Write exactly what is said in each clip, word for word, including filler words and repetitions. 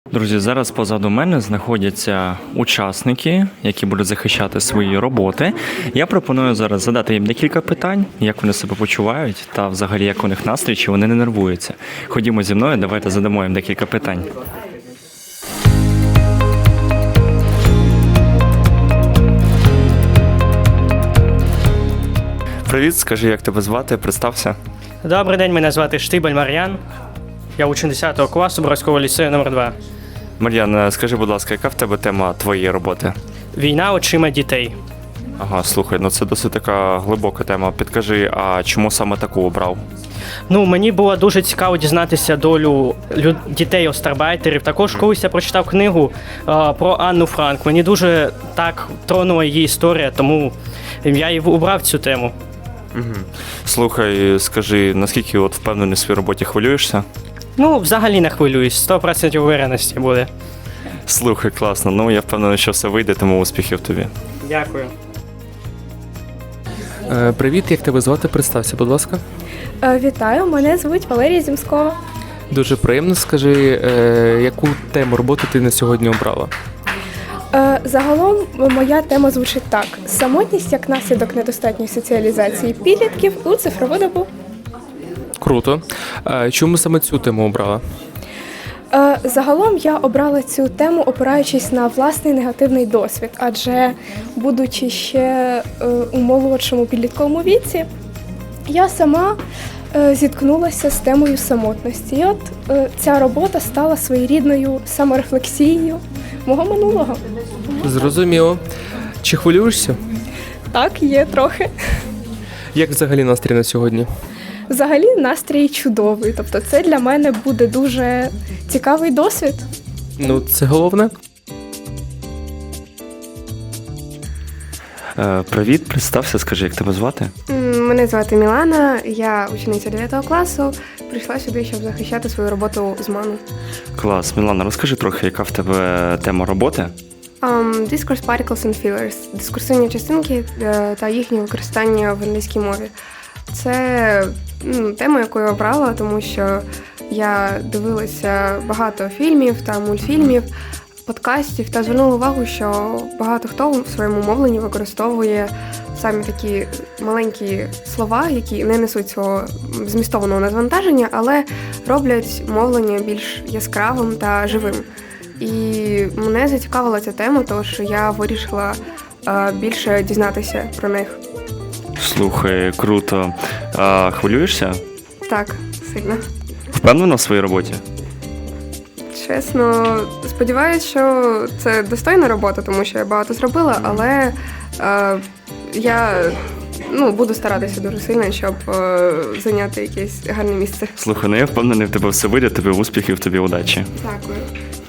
Друзі, зараз позаду мене знаходяться учасники, які будуть захищати свої роботи. Я пропоную зараз задати їм декілька питань, як вони себе почувають та взагалі як у них настрій, чи вони не нервуються. Ходімо зі мною, давайте задамо їм декілька питань. Привіт, скажи, як тебе звати, представся. Добрий день, мене звати Штибель Мар'ян. Я учень десятого класу Боровського ліцею номер два. Мар'ян, скажи, будь ласка, яка в тебе тема твоєї роботи? Війна очима дітей. Ага, слухай, ну це досить така глибока тема. Підкажи, а чому саме таку обрав? Ну, мені було дуже цікаво дізнатися долю лю- дітей-остарбайтерів. Також колись я прочитав книгу е, про Анну Франк. Мені дуже так тронула її історія, тому я і обрав цю тему. Угу. Слухай, скажи, наскільки от впевнений в своїй роботі, хвилюєшся? Ну, взагалі не хвилююсь, сто відсотків увереності буде. Слухай, класно. Ну, я впевнений, що все вийде, тому успіхів тобі. Дякую. Е, Привіт, як тебе звати? Представся, будь ласка. Е, Вітаю, мене звуть Валерія Зімскова. Дуже приємно. Скажи, е, яку тему роботи ти на сьогодні обрала? Е, Загалом моя тема звучить так: самотність як наслідок недостатньої соціалізації підлітків у цифрову добу. Круто. Е, Чому саме цю тему обрала? Е, Загалом я обрала цю тему, опираючись на власний негативний досвід, адже будучи ще е, у молодшому підлітковому віці, я сама е, зіткнулася з темою самотності. І от е, ця робота стала своєрідною саморефлексією мого минулого. Зрозуміло. Чи хвилюєшся? Так, є трохи. Як взагалі настрій на сьогодні? Взагалі настрій чудовий, тобто це для мене буде дуже цікавий досвід. Ну, це головне. Е, привіт, представся, скажи, як тебе звати? Мене звати Мілана, я учениця дев'ятого класу. Прийшла сюди, щоб захищати свою роботу з ману. Клас. Мілана, розкажи трохи, яка в тебе тема роботи? Um, Discourse Particles and Fillers – дискурсивні частинки е, та їхнє використання в англійській мові. Це ну, тема, яку я обрала, тому що я дивилася багато фільмів та мультфільмів, подкастів та звернула увагу, що багато хто в своєму мовленні використовує самі такі маленькі слова, які не несуть свого змістованого навантаження, але роблять мовлення більш яскравим та живим. І мене зацікавила ця тема, тому що я вирішила е, більше дізнатися про них. Слухай, круто. А, хвилюєшся? Так, сильно. Впевнена в своїй роботі? Чесно, сподіваюся, що це достойна робота, тому що я багато зробила, але е, я ну, буду старатися дуже сильно, щоб е, зайняти якесь гарне місце. Слухай, ну я впевнений, в тебе все вийде, тобі успіхів, тобі удачі. Дякую.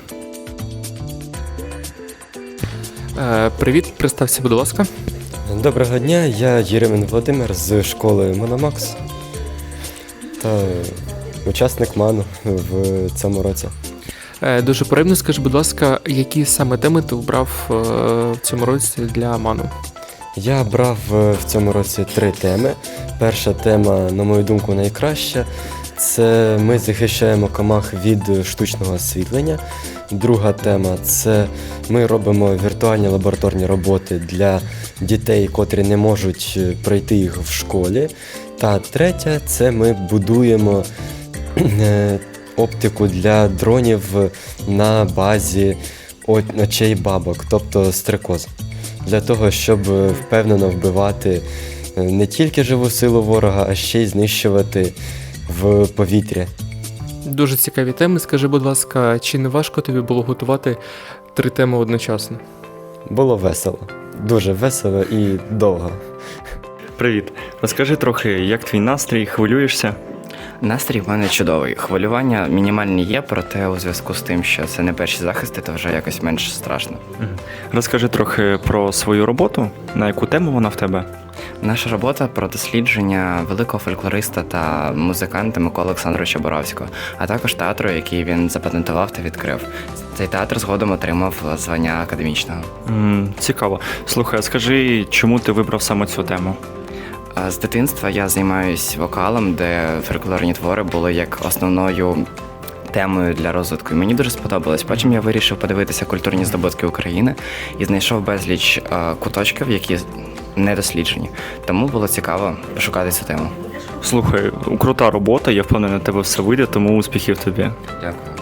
Е, Привіт, представся, будь ласка. Доброго дня, я Єремін Володимир з школи Мономакс та учасник МАНу в цьому році. Е, Дуже приємно. Скажи, будь ласка, які саме теми ти обрав е, в цьому році для ману? Я брав в цьому році три теми. Перша тема, на мою думку, найкраща. Це ми захищаємо комах від штучного освітлення. Друга тема – це ми робимо віртуальні лабораторні роботи для дітей, котрі не можуть пройти їх в школі. Та третя – це ми будуємо е, оптику для дронів на базі очей бабок, тобто стрекоз. Для того, щоб впевнено вбивати не тільки живу силу ворога, а ще й знищувати в повітрі. Дуже цікаві теми. Скажи, будь ласка, чи не важко тобі було готувати три теми одночасно? Було весело. Дуже весело і довго. Привіт. Розкажи трохи, як твій настрій, хвилюєшся? Настрій в мене чудовий. Хвилювання мінімальні є, проте у зв'язку з тим, що це не перші захисти, то вже якось менш страшно. Розкажи трохи про свою роботу, на яку тему вона в тебе? Наша робота про дослідження великого фольклориста та музиканта Миколи Олександровича Боровського, а також театру, який він запатентував та відкрив. Цей театр згодом отримав звання академічного. М, цікаво. Слухай, а скажи, чому ти вибрав саме цю тему? З дитинства я займаюсь вокалом, де фольклорні твори були як основною темою для розвитку. І мені дуже сподобалось. Потім я вирішив подивитися культурні здобутки України і знайшов безліч е, куточків, які не досліджені. Тому було цікаво пошукати цю тему. Слухай, крута робота, я впевнений, на тебе все вийде, тому успіхів тобі. Дякую.